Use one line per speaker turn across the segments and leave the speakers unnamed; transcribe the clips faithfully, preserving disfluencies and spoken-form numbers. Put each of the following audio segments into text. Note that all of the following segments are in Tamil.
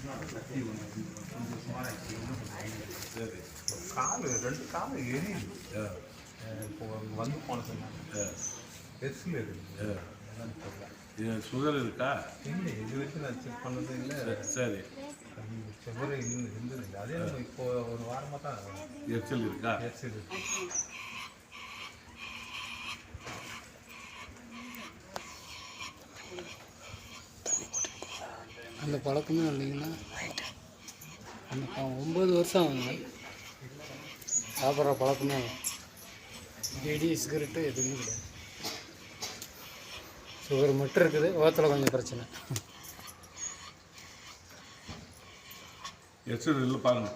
சரி. கால் ரெண்டு கால் எரியுது. இப்போ வந்து போன சொன்னாங்க பெருசில் இருக்குது. இது சுகர் இருக்கா? இல்லை, இது வரைக்கும் நான் செக் பண்ணது இல்லை. சரி, சுகர் இருந்து இருந்தது இல்லை. அதே இப்போ ஒரு வாரமாக தான் எரிச்சல் இருக்கா? எரிச்சல் இருக்கு.
அந்த பழக்கமே இல்லைங்களா? அந்த ஒம்பது வருஷம் ஆகுங்க சாப்பிட்ற பழக்கமே பீடி சிகரெட்டு எதுவுமே கிடையாது. சுகர் மட்டும் இருக்குது, ஓத்தில் கொஞ்சம் பிரச்சனை.
எரிச்சல் இல்லை பாருங்க.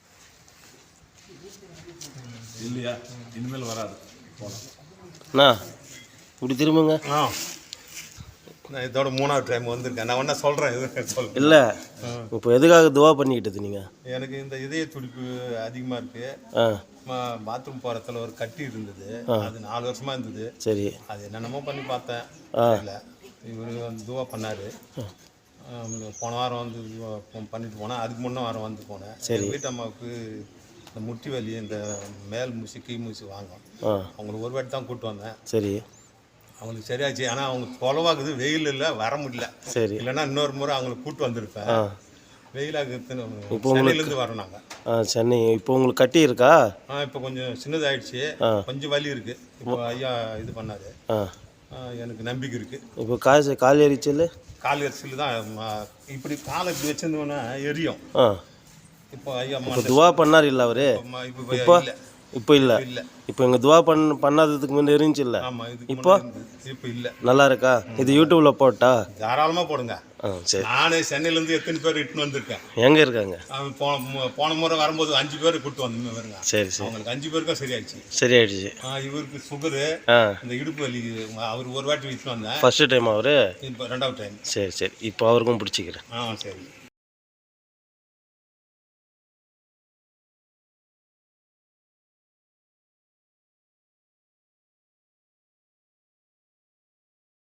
இல்லையா? இனிமேல் வராது.
போகலாம் இப்படி திரும்புங்க.
ஆ, நான் இதோட மூணாவது டைம் வந்திருக்கேன். நான் ஒன்றா சொல்கிறேன். இது சொல்
இல்லை, இப்போ எதுக்காக துவா பண்ணிக்கிட்டது நீங்கள்?
எனக்கு இந்த இதய துடிப்பு அதிகமாக இருக்குது.
ஆ,
பாத்ரூம் போகிறதுல ஒரு கட்டி இருந்தது. அது நாலு வருஷமாக இருந்தது.
சரி.
அது என்னென்னமோ பண்ணி பார்த்தேன். இல்லை, இவர் வந்து துவா பண்ணார். போன வாரம் வந்து பண்ணிட்டு போனேன். அதுக்கு முன்னே வாரம் வந்து போனேன். சரி. வீட்டு அம்மாவுக்கு இந்த முட்டி வலி, இந்த மேல் மூசி கீழ் மூசி வாங்கும். அவங்களுக்கு ஒரு வாட்டி தான் கூப்பிட்டு வந்தேன். சரி. அவங்களுக்கு சரியாச்சு. ஆனால் அவங்க தொலைவாக்குது, வெயில் இல்லை, வர முடியல. சரி. இல்லைன்னா இன்னொரு முறை அவங்களுக்கு கூப்பிட்டு வந்திருப்பேன். வெயிலாக இப்போ சென்னையிலேருந்து வரோம் நாங்கள்.
ஆ, சென்னை. இப்போ உங்களுக்கு கட்டி இருக்கா?
ஆ, இப்போ கொஞ்சம் சின்னதாகிடுச்சு. கொஞ்சம் வலி இருக்குது. இப்போ ஐயா இது பண்ணார். எனக்கு நம்பிக்கை இருக்குது. இப்போ
காசு கால் எரிச்சல்
கால் எரிச்சல் தான். இப்படி காலை இப்படி வச்சிருந்தோன்னா எரியும். இப்போ ஐயா
துவா பண்ணார் இல்லை அவரு? இப்போ இப்போ இல்லை. இப்போ எங்கள் துவா பண் பண்ணாததுக்கு முன்னே இருந்துச்சு இல்லை? இப்போ
இப்போ இல்லை.
நல்லா இருக்கா? இது யூடியூப்ல போட்டா
தாராளமாக போடுங்க.
ஆ, சரி.
நானே சென்னையிலேருந்து எத்தனை பேர் இட்டுன்னு வந்திருக்கேன்.
எங்கே இருக்காங்க?
போன போன முறை வரும்போது அஞ்சு பேர் கூப்பிட்டு வந்து வருங்க.
சரி சரி.
அவங்களுக்கு அஞ்சு பேருக்கும் சரியாயிடுச்சு.
சரியாயிடுச்சு.
இவருக்கு சுகரு, இந்த இடுப்பு வலி. அவர் ஒரு வாட்டி இட்டுன்னு வந்தேன்.
ஃபர்ஸ்ட் டைம் அவரு?
இப்போ ரெண்டாவது டைம்.
சரி சரி. இப்போ அவருக்கும் பிடிச்சிக்கிறேன்.
ஆ, சரி.